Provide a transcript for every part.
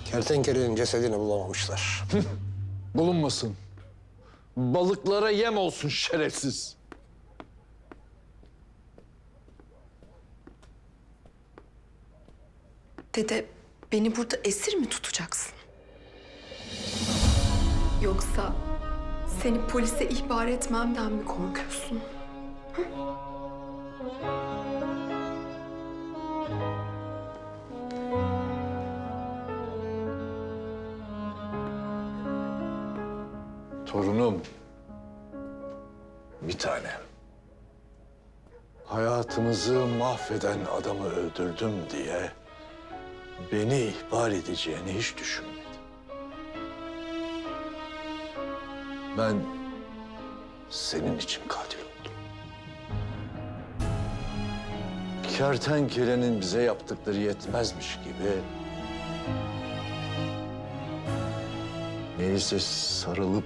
Kertenkelenin cesedini bulamamışlar. Bulunmasın. Balıklara yem olsun şerefsiz. Dede, beni burada esir mi tutacaksın? Yoksa seni polise ihbar etmemden mi korkuyorsun? Torunum. Bir tane. Hayatımızı mahveden adamı öldürdüm diye beni ihbar edeceğini hiç düşünmedim. Ben senin için katil oldum. Kertenkelenin bize yaptıkları yetmezmiş gibi neyse sarılıp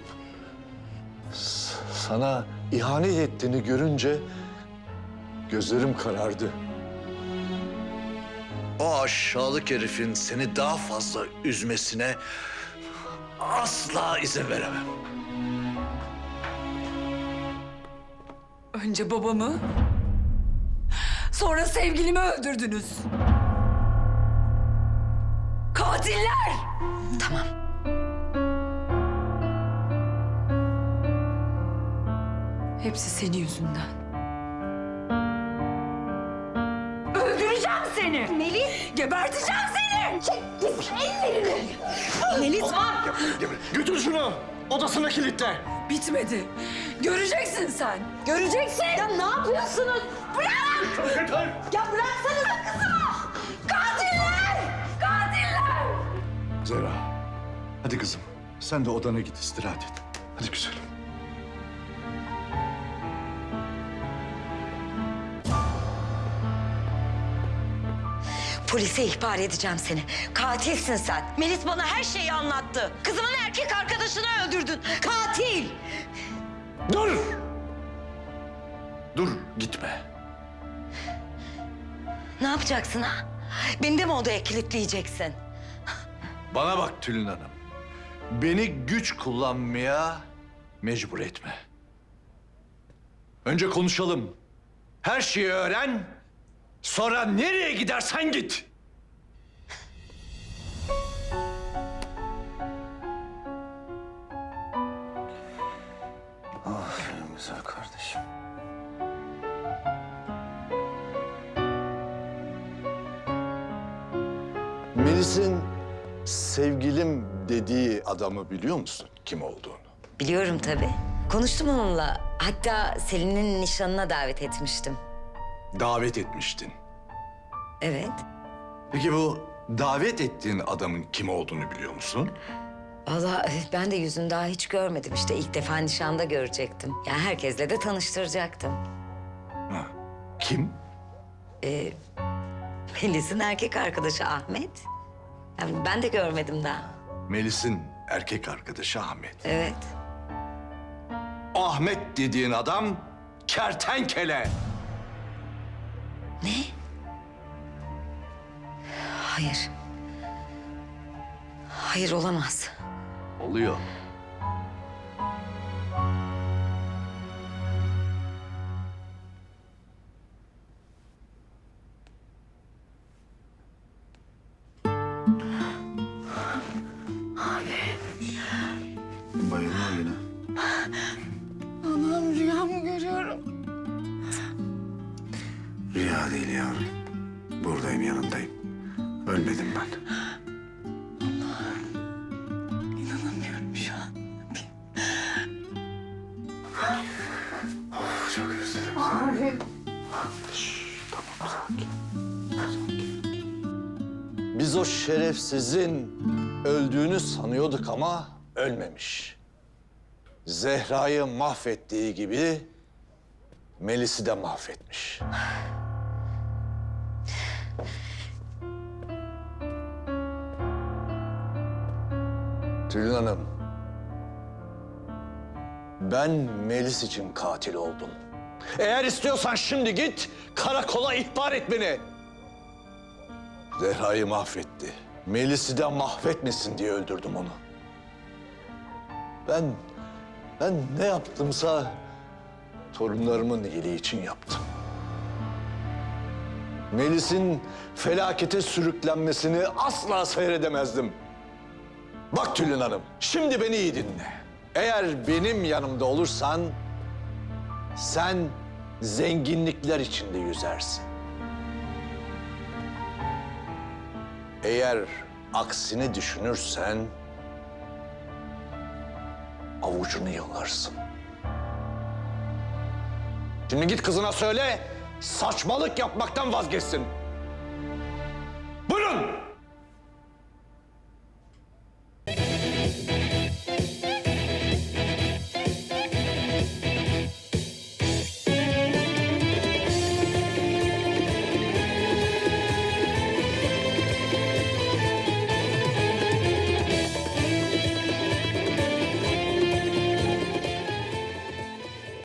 sana ihanet ettiğini görünce gözlerim karardı. O aşağılık herifin seni daha fazla üzmesine asla izin veremem. Önce babamı, sonra sevgilimi öldürdünüz. Katiller! Tamam. Hepsi senin yüzünden. Öldüreceğim seni! Melis! Geberteceğim seni! Çek ellerini! Melis var! Götür şunu. Odasına kilitle. Bitmedi. Göreceksin sen. Göreceksin. Ya ne yapıyorsunuz? Bırak! Ya bıraksanıza kızımı! Katiller! Katiller! Zehra, hadi kızım. Sen de odana git, istirahat et. Hadi güzelim. Polise ihbar edeceğim seni. Katilsin sen. Melis bana her şeyi anlattı. Kızımın erkek arkadaşını öldürdün. Katil! Dur! Dur, gitme. Ne yapacaksın ha? Beni de mi odaya kilitleyeceksin? Bana bak Tülin Hanım. Beni güç kullanmaya mecbur etme. Önce konuşalım. Her şeyi öğren. Sonra nereye gidersen git. Aferin güzel kardeşim. Melis'in sevgilim dediği adamı biliyor musun kim olduğunu? Biliyorum tabii. Konuştum onunla. Hatta Selin'in nişanına davet etmiştim. Davet etmiştin. Evet. Peki bu davet ettiğin adamın kim olduğunu biliyor musun? Vallahi ben de yüzünü daha hiç görmedim. İşte ilk defa nişanda görecektim. Yani herkesle de tanıştıracaktım. Ha, kim? Melis'in erkek arkadaşı Ahmet. Yani ben de görmedim daha. Melis'in erkek arkadaşı Ahmet. Evet. Ahmet dediğin adam kertenkele. Ne? Hayır. Hayır olamaz. Oluyor. Bayılma yine. Allah'ım rüya mı görüyorum? Rüya değil yavrum. Buradayım, yanındayım. Ölmedim ben. İnanamıyorum şu an. Of, çok özledim seni. Tamam, sakin. Biz o şerefsizin öldüğünü sanıyorduk ama ölmemiş. Zehra'yı mahvettiği gibi Melis'i de mahvetmiş. Tülin Hanım, ben Melis için katil oldum. Eğer istiyorsan şimdi git, karakola ihbar et beni. Zehra'yı mahvetti. Melis'i de mahvetmesin diye öldürdüm onu. Ben ne yaptımsa torunlarımın iyiliği için yaptım. Melis'in felakete sürüklenmesini asla seyredemezdim. Bak Tülin Hanım, şimdi beni iyi dinle. Eğer benim yanımda olursan sen zenginlikler içinde yüzersin. Eğer aksini düşünürsen avucunu yalarsın. Şimdi git kızına söyle, saçmalık yapmaktan vazgeçsin.